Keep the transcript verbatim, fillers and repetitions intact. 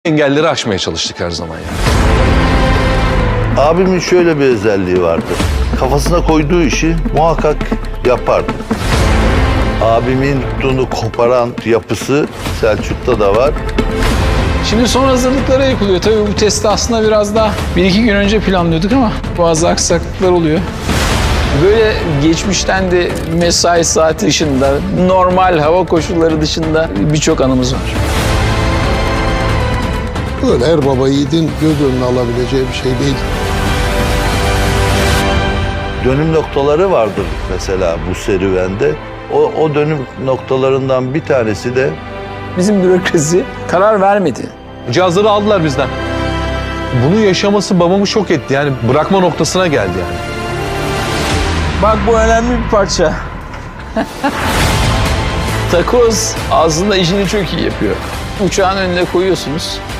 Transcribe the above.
engelleri aşmaya çalıştık her zaman yani. Abimin şöyle bir özelliği vardı. Kafasına koyduğu işi muhakkak yapardı. Abimin tuttuğunu koparan yapısı Selçuk'ta da var. Şimdi son hazırlıklara yapılıyor. Tabii bu testi aslında biraz daha bir iki gün önce planlıyorduk ama bazı aksaklıklar oluyor. Böyle geçmişten de mesai saati dışında, normal hava koşulları dışında birçok anımız var. Öyle her baba yiğidin göz önüne alabileceği bir şey değil. Dönüm noktaları vardır mesela bu serüvende. O, o dönüm noktalarından bir tanesi de Bizim bürokrasi karar vermedi. Cihazları aldılar bizden. Bunu yaşaması babamı şok etti. Yani bırakma noktasına geldi yani. Bak bu önemli bir parça. Takoz aslında işini çok iyi yapıyor. Uçağın önüne koyuyorsunuz.